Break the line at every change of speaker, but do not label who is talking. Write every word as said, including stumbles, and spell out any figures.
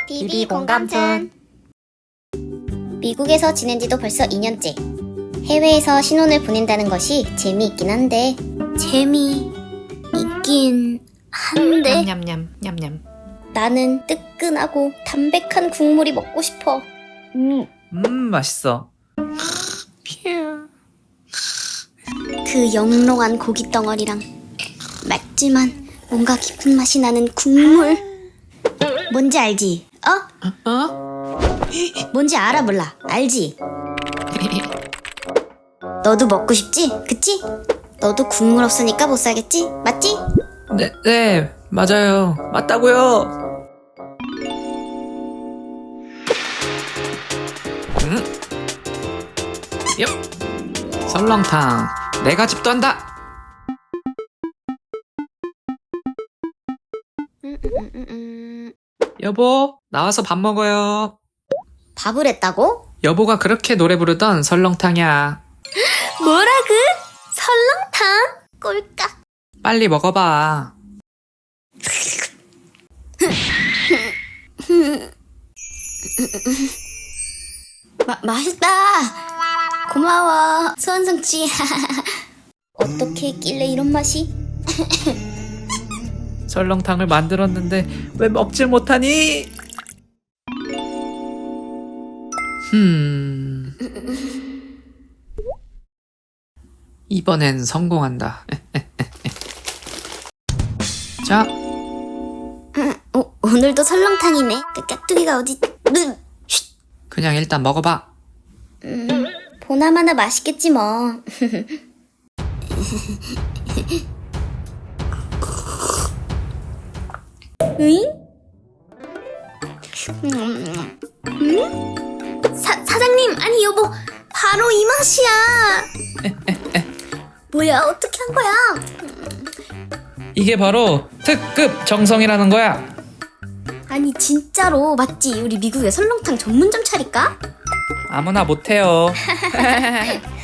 비비 공감촌. 미국에서 지낸 지도 벌써 이 년째. 해외에서 신혼을 보낸다는 것이 재미있긴 한데 재미있긴 한데
냠냠냠 냠냠.
나는 뜨끈하고 담백한 국물이 먹고 싶어.
음, 음 맛있어.
그 영롱한 고기 덩어리랑 맵지만 뭔가 깊은 맛이 나는 국물. 뭔지 알지? 어?
어?
뭔지 알아 몰라? 알지? 너도 먹고 싶지? 그치? 너도 국물 없으니까 못 살겠지? 맞지?
네, 네 맞아요. 맞다고요. 음. 엽. 설렁탕. 내가 집도 한다.
음, 음, 음, 음.
여보, 나와서 밥 먹어요.
밥을 했다고?
여보가 그렇게 노래 부르던 설렁탕이야.
뭐라고? 설렁탕? 꼴깍.
빨리 먹어봐.
마, 맛있다. 고마워 소원성취. 어떻게 했길래 이런 맛이?
설렁탕을 만들었는데 왜 먹질 못하니? 음. 이번엔 성공한다. 자,
어, 오늘도 설렁탕이네. 그 깍두기가 어디? 으,
그냥 일단 먹어봐.
음, 보나마나 맛있겠지 뭐. 으잉? 음, 음? 사, 사장님, 아니 여보, 바로 이 맛이야. 뭐야, 어떻게 한 거야?
이게 바로 특급 정성이라는 거야.
아니 진짜로 맞지? 우리 미국에 설렁탕 전문점 차릴까?
아무나 못해요.